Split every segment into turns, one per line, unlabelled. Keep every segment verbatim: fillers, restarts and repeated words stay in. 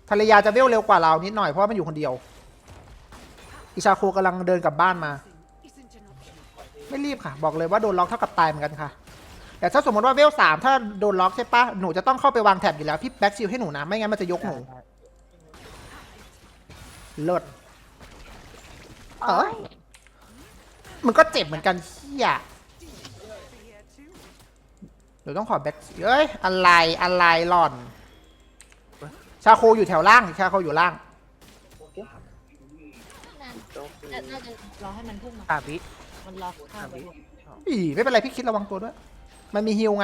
ภรรยาจะเวลเร็วกว่าเรานิดหน่อยเพราะว่ามันอยู่คนเดียวอิชาโคกำลังเดินกลับบ้านมาไม่รีบค่ะบอกเลยว่าโดนล็อกเท่ากับตายเหมือนกันค่ะแต่ถ้าสมมติว่าเวลสามถ้าโดนล็อกใช่ปะหนูจะต้องเข้าไปวางแท็บอยู่แล้วพี่แบ็กซิลให้หนูนะไม่งั้นมันจะยกหนูเลิศเออมันก็เจ็บเหมือนกันเฮียเดี๋ยวต้องขอแบ็กเอ้ยอะไรอะไรหล่อนชาโคอยู่แถวล่างชาโคอยู่ล่าง
น่าน่าจะรอให้มันพุ่งมา
สามวิ
มันล็อกข้างไป
อีไม่เป็นไรพี่คิดระวังตัวด้วยมันมีฮิลไง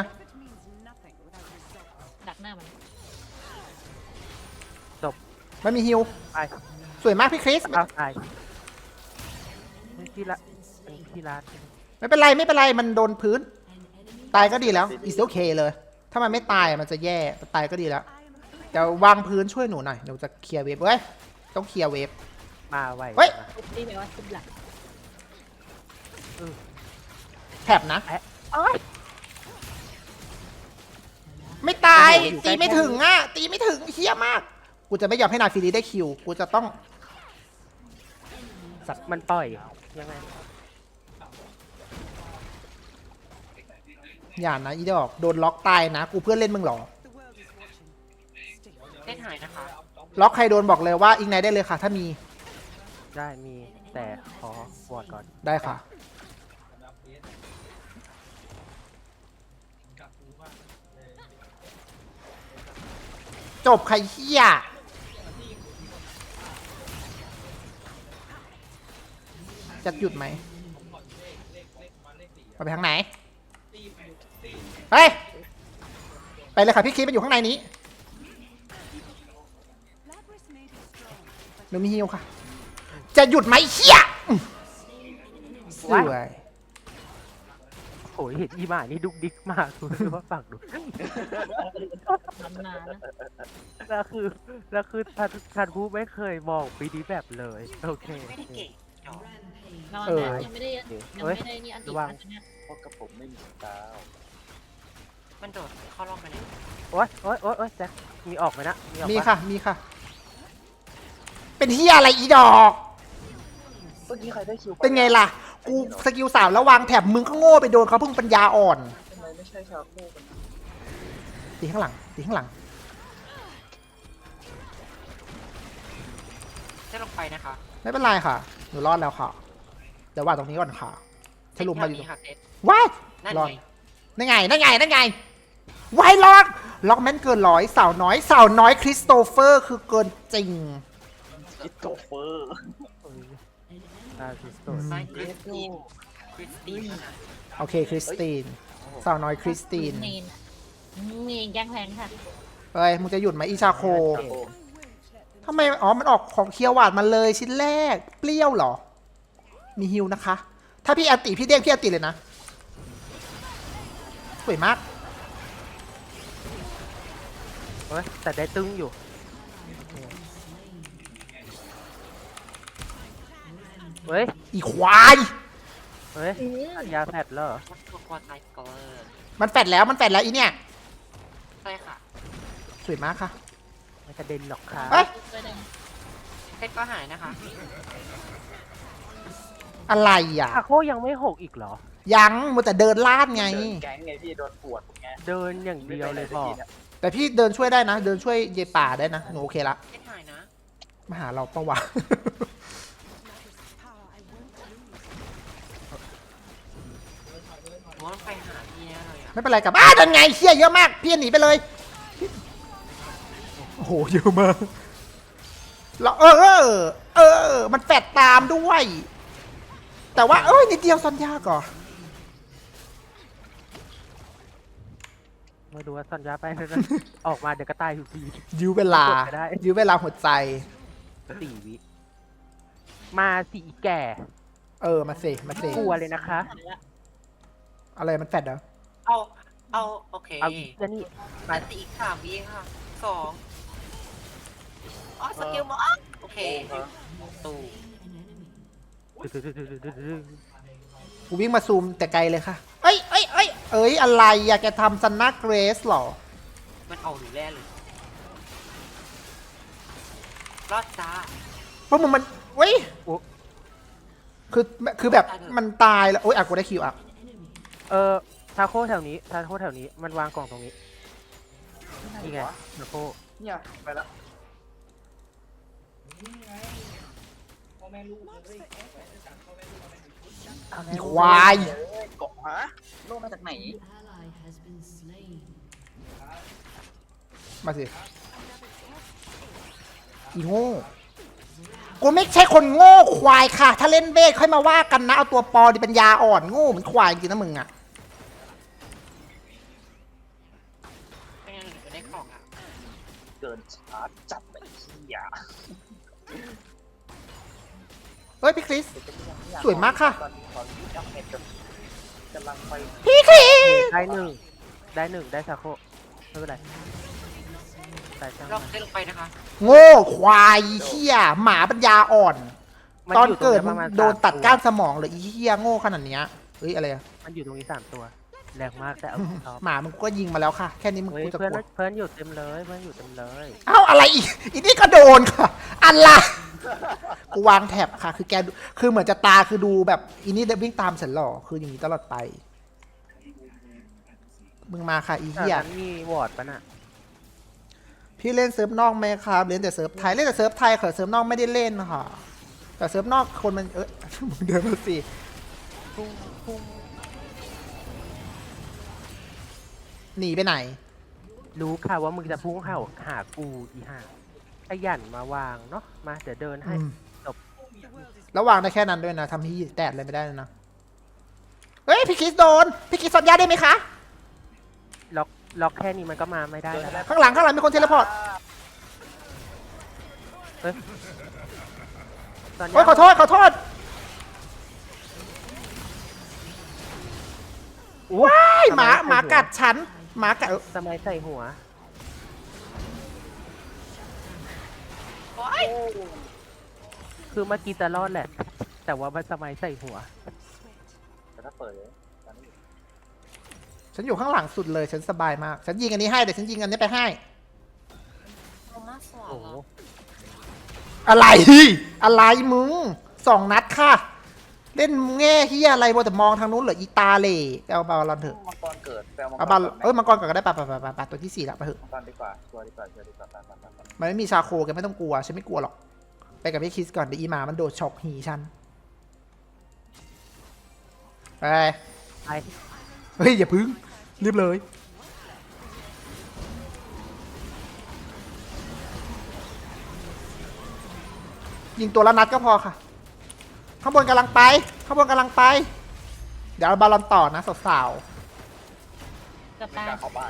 ดักหน้ามัน
มันมีฮิล
ไป
สวยมากพี่คริส
เอาตายที่ละที่ร้าน
ไม่เป็นไรไม่เป็นไรมันโดนพื้น ตายก็ดีแล้วอีสโอเคเลย ถ้ามันไม่ตายมันจะแย่ตายก็ดีแล้วแต่วางพื้นช่วยหนูหน่อยเดี๋ยวจะเคลียร์เวฟเว้ยต้องเคลียร์เวฟ
มาไว
เฮ้ย
ทุบนี่แปลว่าทุบหลัง
แถบนะ
เอ้ย
ไม่ตาย
โอ้โหอยู่ใกล้
ตีไม่ถึงอ่ะตีไม่ถึงเฮี้ยมากกูจะไม่ยอมให้นาฟิลีได้คิวกูจะต้อง
สัตว์มันปล่อยยังไง
อย่านะอีดอกโดนล็อกตายนะกูเพื่อนเล่นมึงเหรอ
เล่นหายนะคะ
ล็อกใครโดนบอกเลยว่าอิงไนได้เลยค่ะ ถ้ามี
ได้มีแต่ขอวอดก่อน
ได้ค่ะจบใครเฮี้ยจะหยุดไหมไปทางไหนไปไปเลยค่ะพี่คิดมันอยู่ข้างในนี้หนูมีฮิวค่ะ จะหยุดไหมเฮี้ยอื้อสวย
โอ้ยเห็นอีหมานี่ดุกดิกมากคุณรู้ว่าฝั่งดู
นานนะ
แล้วคือแล้วคือทันทันผู้ไม่เคยมองปีนี้แบบเลยโอเค
ไม่ได้เก่งหรอก
นอน
เออ
นะยังไม่ได้ยังไม่ได้นี่อันติดอันเนี้ย
เพราะกับผมไม่มีดาว
มันโดดเข้ารอบไปเลย
โอ๊ยโอ๊ยโอ๊ยโอ๊ยแจ็คมีออกไหมนะมีออก
มี
ป
ค่ะ มีค่ะ เป็นเฮียอะไรอีดอก
เมื่อกี้ใครได้คิว
เป็นไงล่ะ กูสกิลสามแล้ววางแถบมึงก็โง่ไปโดนเขาเพิ่งปัญญาอ่อน
ทำไมไม่ใช่ชาวโลกกันนะ
ตีข้างหลัง ตีข้างหลัง
จะลงไปนะคะ
ไม่เป็นไรค่ะ หนูรอดแล้วค่ะ เดี๋ยววางตรงนี้ก่อนค่ะสรุปมาอยู่ตรง
นี้ค่ะเซต
ว้าย
นั่น
รอด
ไง
นั่นไงนั่นไงนั่นไงวายรอดล็อกแมนเกินร้อยสาวน้อยสาวน้อยคริสโตเฟอร์คือเกินจริง
คิดโกเฟอร์
ตาซิสโต
ไซคริสตินคริสติน
โอเคคริสติน สาวน้อยคริสติน
เนนเนนแกงแพงค่ะ
เฮ้ย มึงจะหยุดไหมอีชาโค ทำไม อ๋อ มันออกของเคียวหวานมาเลยชิ้นแรก เปรี้ยวเหรอ มีฮิวนะคะ ถ้าพี่อันติพี่เด้งพี่อันติเลยนะ สวยมาก
เฮ้ยแต่ได้ตึงอยู่เฮ้ย
อีควาย
เฮ้ยยาแผดแล้วเหรอ
วัตถุควอไซสกอร์
มันแฟดแล้ว มันแฟดแล้วอีเนี่ย
ใช่ค่ะ
สวยมากค่ะ
ไม่กระเด็นหรอกครับ
เฮ้ย
ไปเลย
เซตก็หายนะคะ
อะไรอ่ะ
อาโคยังไม่หกอีกเหรอ
ยังมัวแต่เดินลาดไง
เดินแก๊งไงพี่โดนปวดไง
เดินอย่างเดียวเลยบอก
แต่พี่เดินช่วยได้นะ เดินช่วยเยป่าได้นะ หนูโอเคละ
เซตหายนะ
มาหาเราปะวะ
หนูว่าไปหาพี่แน่เลยอ่ะ
ไม่เป็นไรกับอ้าดันไงเชี่ยเยอะมาก พี่หนีไปเลย โอ้โห เยอะมากแล้วเออ เออ เออ มันแฟดตามด้วย แต่ว่า เอ้ย นิดเดียวซอนยากก่อน
มาดูว่าสัญญาไปแล้วออกมาเดี๋ยวก็ตายอยู่ดี
ยื้อเวลา
กดได้
ยื้อเวลาหัวใจ
สี่วิ มาสี่แก่
เออ มาสิมาสิ
กลัวเลยนะคะ
อะไรมันแฟดเหรอ
เอา เอา โอเค
เอาอีกแล้วนี่
อันติอีกสามวิค่ะสองอ๋อสกิลมอสโอเคตู
กูวิ่งมาซูมแต่ไกลเลยค่ะ เอ้ยเอ้ยเอ้ยเอ้ย อะไรอยากจะทำซันนาเกรสหรอ
มันเอาหนูแร่เลย
ส
รอดจ้า
เพราะมึงมันเว้ย
โอ้
คือคือแบบมันตายแล้วโอ๊ยอ่ะกูได้คิวอ่ะ
เออทาโค้แถวนี้ทาโค้แถวนี้มันวางกล่องตรงนี้นี่ไงทาโค้
เนี่ยไปแล้ว
อีควาย
เอ้ยเกาะฮะโลกมาจากไหน
มาสิอีโง่กูไม่ใช่คนโง่ควายค่ะ ถ้าเล่นเวทค่อยมาว่ากันนะ เอาตัวปอดิปัญญาอ่อนโง่เหมือนควายจริงนะมึงอ่ะ
ไม่งั้นหนูจะได้ของอ่ะ
เกินชาร์จจับไปที่ยา
เฮ้ยพี่คริส สวยมากค่ะ
ตอนนี้ขอรีบอัพเน็ตกับกำลังไป
พี่คริส
ได้หนึ่งได้หนึ่งได้ทาโค้ไม่เป็นไรแต่ช่าง
เรา
มัน
ได้ลงไปนะคะ
โง่ควายเหี้ยหมาปัญญาอ่อน
มั
ตอน
ยู่รง
เกิด
ป
มึ
ระ
ง
มาณ
โดน
สม
ตัด
ว
ก้านสมองเลยอีเหี้ยโง่ขนาดเนี้ยเฮ้ยอะไรอะ
มันอยู่ตรงนี้สามตัวแรงมากแต่เอาชอบ
หมามึงก็ยิงมาแล้วค่ะ แค่นี้มึง
เฮ้ย
กูจะ
เพื่อน
กลัว
เพื่อนอยู่เต็มเลยเพื่อนอยู่เต็มเลย
เอ้าอะไรอีกอีนี่ก็โดนค่ะอะไรกูวางแท็บค่ะ คือแกดูคือเหมือนจะตาคือดูแบบอีนี่วิ่งตามฉันหรอคืออย่างนี้ตลอดไป มึงมาค่ะอี
แต่
เหี้ย
นั้นมีวอร์ดปะน่ะ
พี่เล่นเซิร์ฟนอกไหมครับเล่นแต่เซิร์ฟไทยเล่นแต่เซิร์ฟไทยค่ะเซิร์ฟนอกไม่ได้เล่นค่ะ แต่เซิร์ฟนอกคนมันเออ มึงเดินมาสิหนีไปไหน
รู้ค่ะว่ามึงจะพุ่งเข้าหากูอีห่าขยันมาวางเนาะมาเดี๋ยวเดินให้
อืม
จบ
แล้ววางได้แค่นั้นด้วยนะทำที่แตกอะไรไม่ได้เลยนะเฮ้ยพี่คิสโดนพี่คิสสัญญาได้ไหมคะ
ล็อกล็อกแค่นี้มันก็มาไม่ได้แล้ว
ข้างหลังข้างหลังมีคนเทเลพอร์ต
ตอนนี้
โอ้ยขอโทษขอโทษว้ายหมาหมากัดฉันหมากัดเออ
สมัยใส่หัว
โอ๊ย
คือเมื่อกี้จะรอดแหละ แต่ว่ามันสมัยใส่หัว
แต่ถ้าเปิดเลยตอนนี้
ฉันอยู่ข้างหลังสุดเลยฉันสบายมากฉันยิงอันนี้ให้เดี๋ยวฉันยิงอันนี้ไปให้
เอามาสว
โอ้
น
โห
เหรอ
อะไรอะไรมึงสองนัดค่ะ เล่นแง่เฮียอะไรบนแต่มองทางนู้นเหรออีตาเหล่เอาบอลลอนเถอะ
มังกรเกิดแปลมังกร
เอาบอล
ก่นไหม
เอ้ยมังกรก่อนก็ได้ปะปะปะปะปะตัวที่สี่ละไปเถอะ
มังกรดีกว่าชัวร์ดีกว่าชัวร์ดีกว่าไปไปไปไป
มันไม่มีชาโคแกไม่ต้องกลัวฉันไม่กลัวหรอกไปกับพี่คิสก่อนเดี๋ยวอีหมามันโดดช็อกหีฉันไป
ไป
เฮ้ยอย่าพึ่งรีบเลยยิงตัวละนัดก็พอค่ะข้างบนกำลังไปข้างบนกำลังไป เดี๋ยวเอาบอลลอนต่อนะสาว
กับ
ไม่
ตาก
ล้าเข้าบ้าน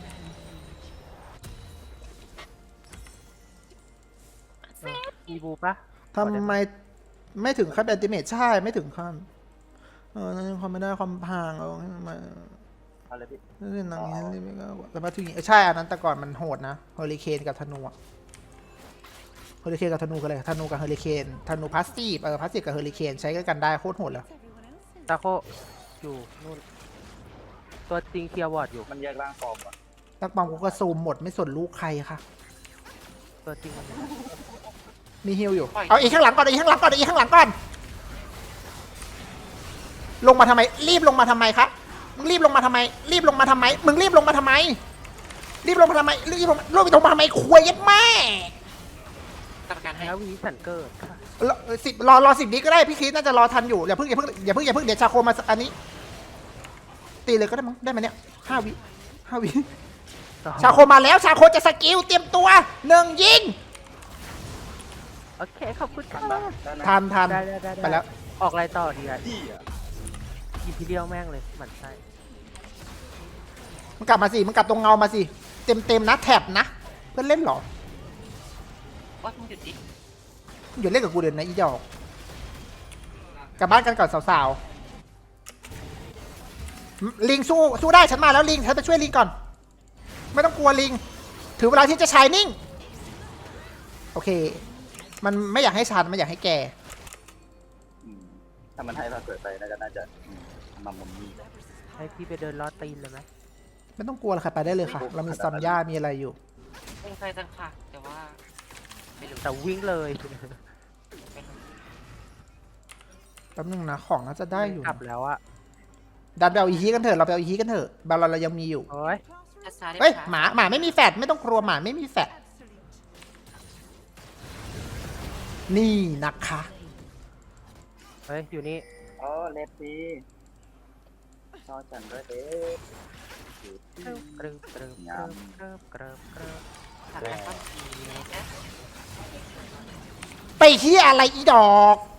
มีบูปะ
ๆทำไมไม่ถึงขั้นอันติเมทใช่ไม่ถึงขั้นเออนั่นความไม่ได้ความพังเอาให้มันมา
เอาเลยพี่
เล่นหนังนี้เล่นไม่ก็แต่มาถึงใช่อันนั้นแต่ก่อนมันโหดนะเฮอริเคนกับธนูอะเฮอริเคนกับธนูกันเลยธนูกับเฮอริเคนธนูพาสซีฟเออพาสซีฟกับเฮอริเคนใช้กันได้โคตรโหดเลย
ตาโคอยู่นู่น ตัวจริงเคลียร์วอร์ดอยู่
มันแยกร่างฟอร์มก่อน
นักบอลกูก็ซูมหมดไม่สนลูกใครค่ะ
ตัวจริงมัน
มีฮิลอยู่เอาอีกข้างหลังก่อนอีกข้างหลังก่อนอีกข้างหลังก่อนลงมาทำไม รีบลงมาทำไมครับมึงรีบลงมาทำไม รีบลงมาทำไมมึงรีบลงมาทำไม รีบลงมาทำไมรีบลงรีบลงมาทำไมคุยยัดแม่
กรรมการให้
แล้ววีสันเกิดค่ะ
รอสิบรอรอสิบนี้ก็ได้พี่คริสน่าจะรอทันอยู่อย่าเพิ่งอย่าเพิ่งอย่าเพิ่งอย่าเพิ่งเดี๋ยวชาโคมาอันนี้ ตีเลยก็ได้มั้งได้ไหมเนี่ยห้าวิห้าวิชาโคมาแล้วชาโคจะสกิลเตรียมตัวหนึ่งยิง
โอเค ขอบคุณ
ทั
ค่ะ
นปะได้นะ
ทันทัน
ได้ได้ได้
ไปแล้ว
ออกอะไรต่อดีอ่ะ
พี่อ่ะ
อีพีเดียวแม่งเลยหมันไส้
มึงกลับมาสิมึงกลับตรงเงามาสิเต็มเต็มนะแท็บนะเพื่อนเล่นเหรอ
ว่ามึงหยุดดิ
อย่าเล่นกับกูเดินนะอีดอกกลับบ้านกันก่อนสาวๆลิงสู้สู้ได้ฉันมาแล้วลิงฉันไปช่วยลิงก่อน ไม่ต้องกลัวลิงถือเวลาที่จะชายนิ่งโอเค มันไม่อยากให้ฉันไม่อยากให้แก
อืมถ้ามันให้เราเกิดไปน่าจะน่าจะอืมมามุมนี้
ให้พี่ไปเดินลอดตีนเลยไหม
ไม่ต้องกลัวหรอกค่ะไปได้เลยค่ะ เรามีซอนย่ามีอะไรอยู่
เป็นใครจังค่ะ แต่ว่าไปไม่รู้
แต่วิ่งเลย
แป๊บนึงนะของน่าจะได้อยู่
กลับแล้วอะ
ดันไปเอาอีฮีกันเถอะเราไปเอาอีฮีกันเถอะบาลอนเรายังมีอยู่
โอ้ย
ช้าๆได้
เฮ้ย
ช้
หมาหมาไม่มีแฟดไม่ต้องกลัวหมาไม่มีแฟดนี่นะคะ
เฮ้ยอยู่นี่
เออเลฟซีชอจันด้วยเอ๊ะ
กรึบกรึบกรึบกรึบกรึบกรึบกรึบ
ทำอะไรก็ดีนะ
ไปที่อะไรอีดอก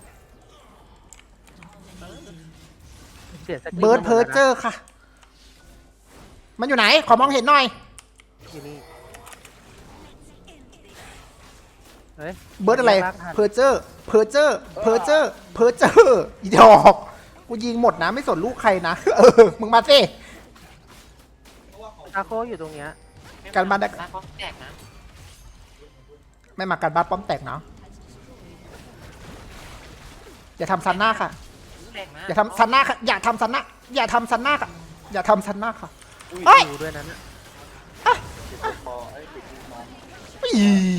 เสียสกิล
เบิร์ดเพอร์เจอร์ค่ะ มันอยู่ไหนขอมองเห็นหน่อย
อยู่นี่เฮ้ย
เบิร์ดอะไร
ลากทัน
เพอร์เจอร์เพอร์เจอร์เพอร์เจอร์เพอร์เจอร์อีดอกกูยิงหมดนะไม่สนลูกใครนะ เออมึงมาสิ
อาโคอยู่ตรงเนี้ย
การบ้านได้
บ้านเขาแตกนะ
ไม่มากันบ้านป้อมแตกเนาะอย่าทำซันหน้าค่ะ
แรงมาก
อย่าทำซันหน้าค่ะอย่าทำซันหน้าอย่าทำซันหน้าค่ะอย่าทำซันหน้าค่ะ
อุ้ย
เฮ้ย
ดูด้วยนั้นน่ะ
ติดลูกบอลเอ้ยติดลูกน้อง
ปี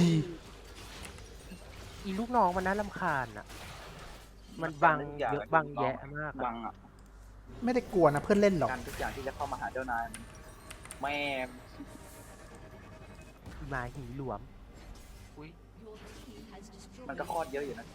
อีลูกน้องมันน่ารำคาญอ่ะ มันบังเยอะบังแยะมาก
บั
อะ
งอ่ะ
ไม่ได้กลัวนะเพื่อนเล่นหรอก
การทุกอย่างที่จะเข้ามาหาเจ้านายมันแม่ง
อีหมาหีหลวม
อุ้ย
มันก็คลอดเยอะอยู่นะ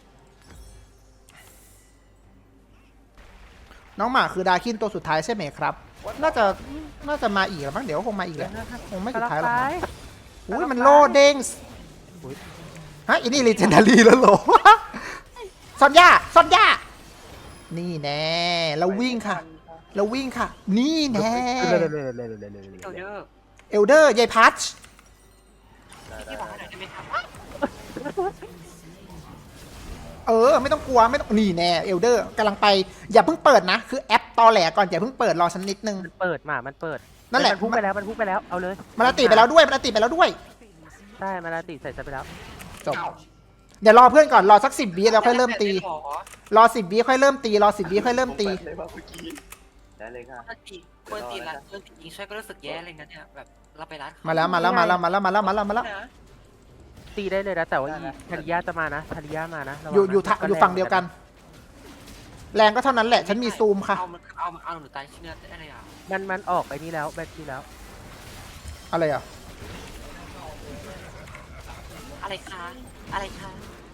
น้องหมาคือดาคินตัวสุดท้ายใช่ไหมครับ น่าจะน่าจะมาอีกแล้วมั้งเดี๋ยวคงมาอีกแหละคงไม่สุดท้ายหรอกมั้งอุ้ยมันโลเด้งฮะอันนี้ลีเจนดารีแล้วเหรอ ซอนย่าซอนย่านี่แน่เราวิ่งค่ะ เราวิ่งค่ะ นี่แน่
เลยเลยเลยเลยเลยเลย
เอลเดอร์
เอลเดอร์ยายพัช
ที่บอกให้หน่อยได้ไหมครับ
เออไม่ต้องกลัวไม่ต้องนี่แน่เอลเดอร์กำลังไปอย่าเพิ่งเปิดนะคือแอปตอแหลก่อนอย่าเพิ่งเปิดรอฉันนิดนึง
มันเปิดหมามันเปิด
นั่นแหละ
มันพุ่งไปแล้วมันพุ่งไปแล้วเอาเลย
มันติไปแล้วด้วยมันติไปแล้วด้วย
ใช่มันติใส่ไปแล้ว
จบเดี๋ยวรอเพื่อนก่อนรอสักสิบวิแล้วค่อยเริ่มตี
หรอ
รอสิบวิค่อยเริ่มตีรอสิบวิค่อยเริ่มตี
เลยว่าเมื่อกี้ได้เลยค่ะ
ถ้าตีควรตีละควรตียิงช่วยก็รู้สึกแย่เลยนะเนี่ยแบบเราไปร้าน
มาแล้วมาแล้วมาแล้วมาแล้วมาแล้วมาแล้วมาแล้ว
นะ
ตีได้เลยนะแต่ว่าอีธาริยาจะมานะธาริยามานะระวัง
อยู่
นะ
อยู่ทะ
ก็
อยู่
แรง
ฝั่งเดียวกัน แรงก็เท่านั้นแหละฉันมีซูมค่ะ
เอามันเอาเอาหนูตายชิ้นเนื้อได้เลยอ่ะ
มันมันออกไปนี่แล้วแบตที่แล้ว
อะไรอ่ะ
อะไรคะอะไรคะ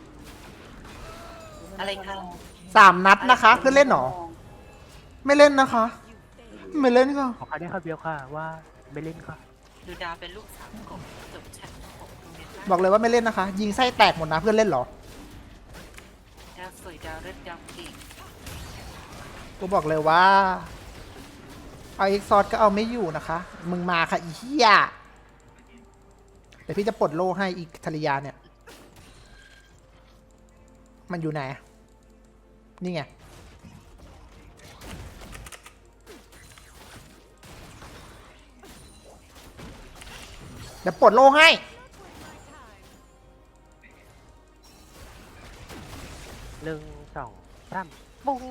อะไรคะ
สามนัดนะคะเพื่อนเล่นหรอไม่เล่นนะคะ ไม่เล่นค่ะ
ขอคำได้คำเดียวค่ะว่าไม่เล่นค่ะ
ดูดาวเป็นลูกสาวของจบแชทของโรงเรียนบ้าน
บอกเลยว่าไม่เล่นนะคะ ยิงไส้แตกหมดนะเพื่อนเล่นหรอ
ดาวสวยดาวเลือดดาวเก่ง
กูบอกเลยว่าเอาเอ็กซอร์ก็เอาไม่อยู่นะคะ มึงมาค่ะอีเหี้ยเดี๋ยวพี่จะปลดโล่ให้อีกธริยาเนี่ย มันอยู่ไหน นี่ไง เดี๋ยวปลดโล่ให้
หนึ่งสองสามปุ้ง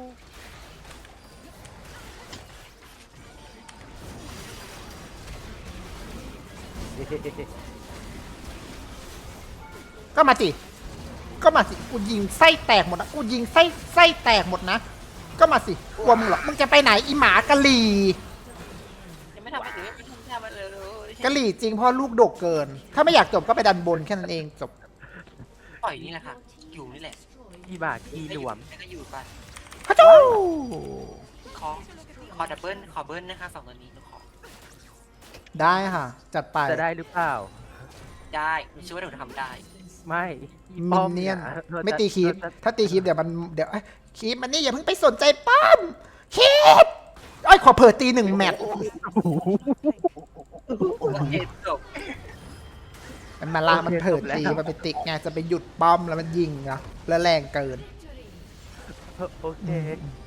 ก็มาสิ ก็มาสิ กูยิงไส้แตกหมดนะ กูยิงไส้ไส้แตกหมดนะ ก็มาสิ กลัวมึงหรอ มึงจะไปไหนอีหมากะหรี่
ยังไม่ทำอะไรเลยไม่ทำอะไรเลย
กะหรี่จริงเพราะลูกดกเกิน ถ้าไม่อยากจบก็ไปดันบนแค่นั้นเองจบ
ปล่อยนี่แหละค่ะ อยู่นี่แหละ
อีบากีหลวม
แล้วก็อยู่ไป
ฮัจจู
ขอขอดับเบิลขอเบิลนะคะสองตัวนี้หนูขอ
ได้ค่ะ จัดไป
จะได้หรือเปล่า
ได้หนูเชื่อว่าหนูทำได้
ไม่อี
มิ
ป้อน ม
เนียน
ธอจะ
ไม่ตีคีป
เธอจะ
ถ้าตีคีปเดี๋ยวมันเดี๋ยวเอ้ยคีปมันนี่อย่าเพิ่งไปสนใจป้อมคีปไอ้ยขอเผิดตีหนึ่งแมตช์
โอเคจบ
มันมาลามันเผิดตีมันไปติกไงจะไปหยุดป้อมแล้วมันยิงนะแล้วแรงเกิน
โอเค